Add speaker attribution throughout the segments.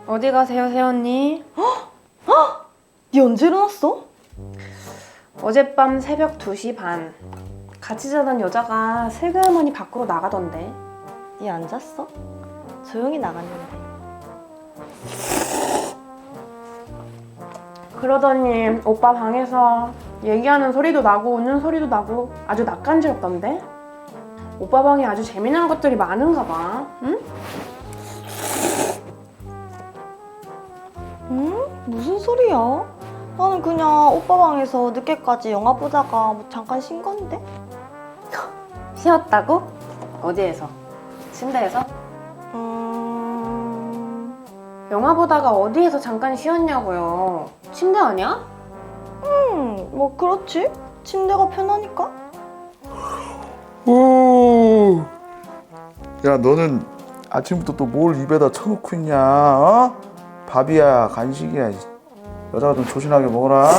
Speaker 1: 어디 가세요, 새언니?
Speaker 2: 니 언제 일어났어?
Speaker 1: 어젯밤 새벽 2시 반. 같이 자던 여자가 슬그머니 밖으로 나가던데.
Speaker 2: 니 안 잤어? 조용히 나갔는데.
Speaker 1: 그러더니 오빠 방에서 얘기하는 소리도 나고 웃는 소리도 나고 아주 낯간지럽던데? 오빠 방에 아주 재미난 것들이 많은가 봐. 응?
Speaker 2: 무슨 소리야? 나는 그냥 오빠 방에서 늦게까지 영화 보다가 뭐 잠깐 쉰 건데?
Speaker 1: 쉬었다고? 어디에서? 침대에서? 영화 보다가 어디에서 잠깐 쉬었냐고요. 침대 아니야?
Speaker 2: 뭐 그렇지. 침대가 편하니까.
Speaker 3: 오. 야, 너는 아침부터 또 뭘 입에다 쳐놓고 있냐? 어? 밥이야, 간식이야. 여자가 좀 조신하게 먹어라.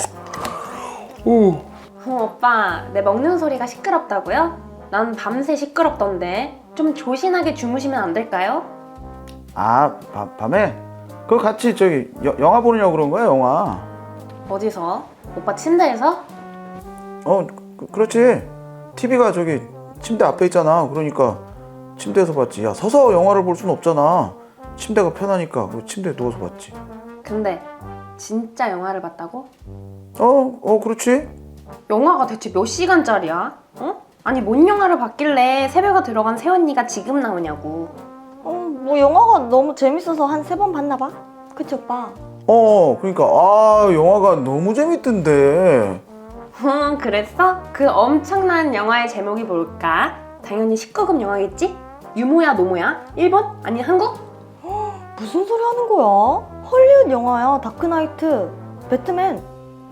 Speaker 3: 오.
Speaker 1: 오빠, 내 먹는 소리가 시끄럽다고요? 난 밤새 시끄럽던데. 좀 조신하게 주무시면 안 될까요?
Speaker 3: 아, 밤에? 그거 같이 저기 영화 보느냐고 그런 거야, 영화.
Speaker 1: 어디서? 오빠 침대에서?
Speaker 3: 그렇지. TV가 저기 침대 앞에 있잖아. 그러니까 침대에서 봤지. 야, 서서 영화를 볼 수는 없잖아. 침대가 편하니까 그 침대에 누워서 봤지.
Speaker 1: 근데 진짜 영화를 봤다고?
Speaker 3: 그렇지.
Speaker 1: 영화가 대체 몇 시간짜리야? 어? 아니 뭔 영화를 봤길래 새벽에 들어간 새언니가 지금 나오냐고.
Speaker 2: 뭐 영화가 너무 재밌어서 한 3번 봤나 봐. 그치 오빠?
Speaker 3: 그러니까 영화가 너무 재밌던데.
Speaker 1: 그랬어? 그 엄청난 영화의 제목이 뭘까? 당연히 19금 영화겠지? 유모야 노모야? 일본? 아니 한국?
Speaker 2: 무슨 소리 하는 거야? 헐리우드 영화야. 다크나이트. 배트맨.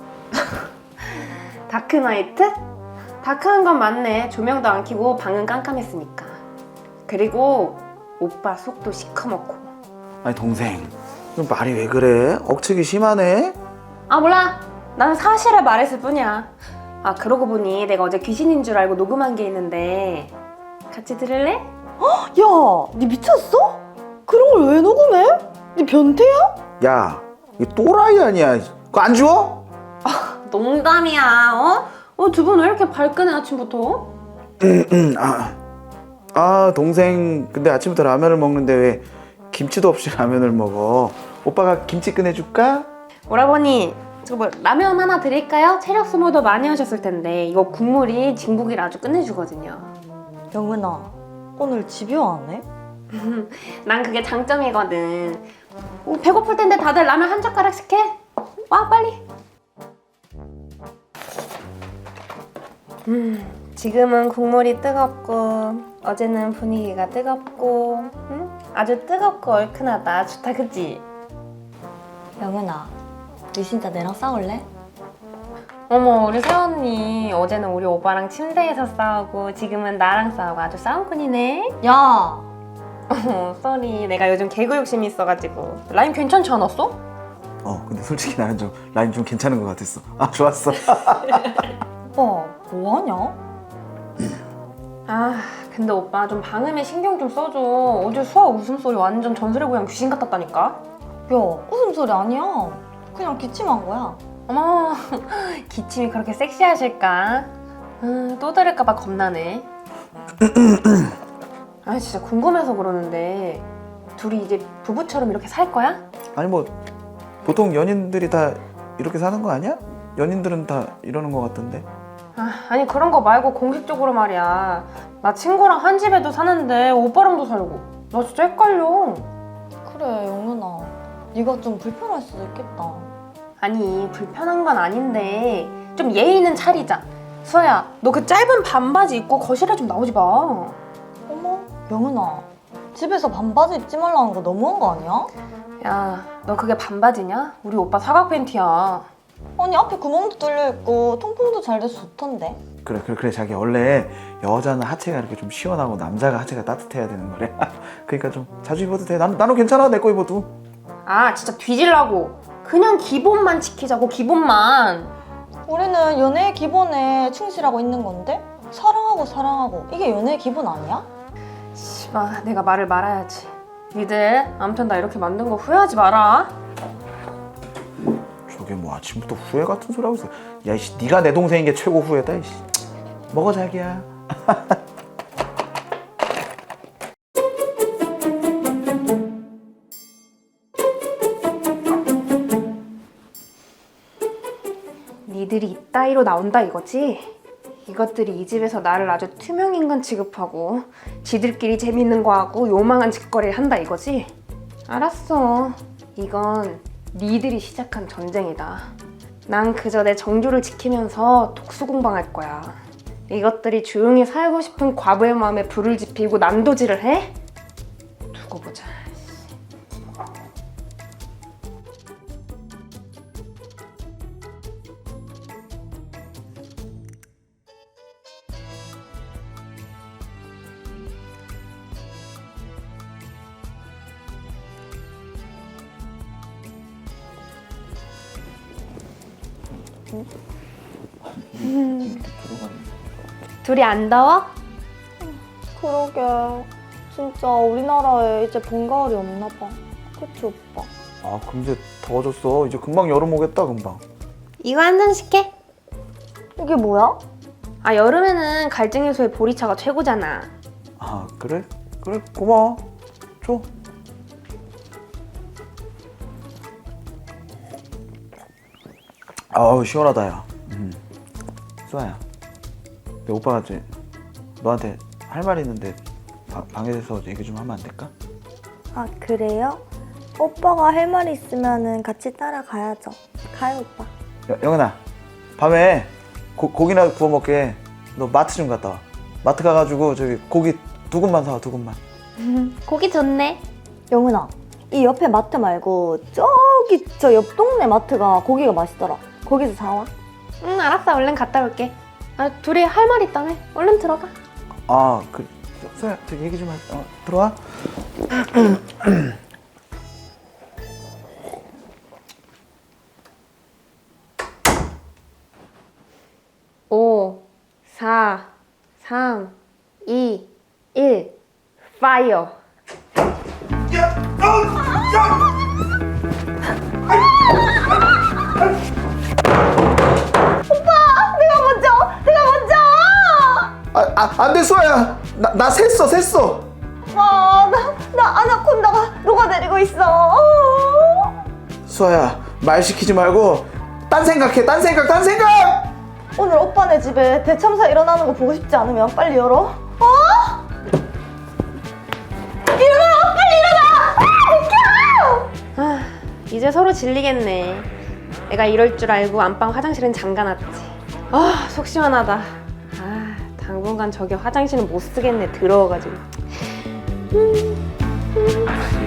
Speaker 1: 다크나이트? 다크한 건 맞네. 조명도 안 켜고 방은 깜깜했으니까. 그리고 오빠 속도 시커멓고.
Speaker 3: 아니 동생, 좀 말이 왜 그래? 억측이 심하네.
Speaker 1: 아 몰라. 나는 사실을 말했을 뿐이야. 아 그러고 보니 내가 어제 귀신인 줄 알고 녹음한 게 있는데 같이 들을래?
Speaker 2: 야, 니 미쳤어? 그런 걸 왜 녹음해? 니 변태야?
Speaker 3: 야, 이 또라이 아니야? 그거 안 주워?
Speaker 1: 농담이야. 두 분 왜 이렇게 발끈해 아침부터?
Speaker 3: 동생, 근데 아침부터 라면을 먹는데 왜 김치도 없이 라면을 먹어? 오빠가 김치 꺼내줄까?
Speaker 1: 오라버니 저거 뭐 라면 하나 드릴까요? 체력 소모도 많이 하셨을 텐데 이거 국물이 진국이라 아주 끝내주거든요.
Speaker 2: 영은아, 오늘 집요 안 해?
Speaker 1: 난 그게 장점이거든. 배고플 텐데 다들 라면 한 젓가락씩 해. 와 빨리. 지금은 국물이 뜨겁고 어제는 분위기가 뜨겁고 아주 뜨겁고 얼큰하다. 좋다 그치?
Speaker 2: 영은아, 니 진짜 내랑 싸울래?
Speaker 1: 어머 우리 새언니 어제는 우리 오빠랑 침대에서 싸우고 지금은 나랑 싸우고 아주 싸움꾼이네.
Speaker 2: 야!
Speaker 1: 쏘리 내가 요즘 개그 욕심이 있어가지고. 라임 괜찮지 않았어?
Speaker 3: 근데 솔직히 나는 좀 라임 좀 괜찮은 것 같았어. 좋았어.
Speaker 2: 오빠, 뭐하냐?
Speaker 1: 근데 오빠 좀 방음에 신경 좀 써줘. 어제 수아 웃음소리 완전 전설의 고향 귀신 같았다니까.
Speaker 2: 야, 웃음소리 아니야. 그냥 기침한 거야.
Speaker 1: 어머 기침이 그렇게 섹시하실까? 또 들을까봐 겁나네. 진짜 궁금해서 그러는데 둘이 이제 부부처럼 이렇게 살 거야?
Speaker 3: 아니 뭐 보통 연인들이 다 이렇게 사는 거 아니야? 연인들은 다 이러는 것 같던데.
Speaker 1: 아니 그런 거 말고 공식적으로 말이야. 나 친구랑 한 집에도 사는데 오빠랑도 살고. 나 진짜 헷갈려.
Speaker 2: 그래, 영은아. 네가 좀 불편할 수도 있겠다.
Speaker 1: 아니 불편한 건 아닌데 좀 예의는 차리자. 수아야 너 그 짧은 반바지 입고 거실에 좀 나오지 마.
Speaker 2: 어머, 영은아. 집에서 반바지 입지 말라는 거 너무한 거 아니야?
Speaker 1: 야 너 그게 반바지냐? 우리 오빠 사각 팬티야.
Speaker 2: 아니, 앞에 구멍도 뚫려있고 통풍도 잘 돼서 좋던데.
Speaker 3: 그래 자기 원래 여자는 하체가 이렇게 좀 시원하고 남자가 하체가 따뜻해야 되는 거래. 그러니까 좀 자주 입어도 돼. 나는 괜찮아. 내 거 입어도.
Speaker 1: 진짜 뒤질라고. 그냥 기본만 지키자고. 기본만.
Speaker 2: 우리는 연애의 기본에 충실하고 있는 건데? 사랑하고 이게 연애의 기본 아니야?
Speaker 1: 씨발 내가 말을 말아야지. 니들 아무튼 나 이렇게 만든 거 후회하지 마라.
Speaker 3: 저게 뭐 아침부터 후회 같은 소리 하고 있어. 야 이씨 네가 내 동생인 게 최고 후회다 이씨. 먹어 자기야.
Speaker 1: 니들이 이따위로 나온다 이거지? 이것들이 이 집에서 나를 아주 투명인간 취급하고 지들끼리 재밌는 거 하고 요망한 짓거리를 한다 이거지? 알았어. 이건 니들이 시작한 전쟁이다. 난 그저 내 정조를 지키면서 독수공방할 거야. 이것들이 조용히 살고 싶은 과부의 마음에 불을 지피고 난도질을 해? 두고 보자. 둘이 안 더워?
Speaker 2: 그러게. 진짜 우리나라에 이제 봄, 가을이 없나 봐. 그치, 오빠?
Speaker 3: 아 금세 더워졌어. 이제 금방 여름 오겠다 금방.
Speaker 1: 이거 한 잔씩 해.
Speaker 2: 이게 뭐야?
Speaker 1: 아 여름에는 갈증해소의 보리차가 최고잖아.
Speaker 3: 아 그래? 그래 고마워. 줘. 아우 시원하다 야. 수아야. 내 오빠가 이제 너한테 할 말 있는데 방에서 얘기 좀 하면 안 될까?
Speaker 2: 아, 그래요? 오빠가 할 말이 있으면은 같이 따라가야죠. 가요, 오빠.
Speaker 3: 영은아 밤에 고기나 구워 먹게 너 마트 좀 갔다 와. 마트 가가지고 저기 고기 2근만 사와 2근만.
Speaker 1: 고기 좋네.
Speaker 2: 영은아, 이 옆에 마트 말고 저기 저 옆 동네 마트가 고기가 맛있더라. 거기서 사와.
Speaker 1: 응 알았어. 얼른 갔다 올게. 아 둘이 할 말 있다며. 얼른 들어가.
Speaker 3: 아 그 수아야 저기 얘기 좀 들어와.
Speaker 1: 오, 4, 3, 2, 1 파이어.
Speaker 3: 안돼 수아야. 나 샜어.
Speaker 2: 아, 나 아나콘다가 녹아내리고 있어.
Speaker 3: 수아야 말 시키지 말고 딴 생각해. 딴 생각.
Speaker 2: 오늘 오빠네 집에 대참사 일어나는 거 보고 싶지 않으면 빨리 열어. 일어나! 빨리 일어나! 비켜!
Speaker 1: 아, 이제 서로 질리겠네. 내가 이럴 줄 알고 안방 화장실은 잠가놨지. 아, 속 시원하다. 아, 당분간 저기 화장실은 못 쓰겠네. 더러워가지고.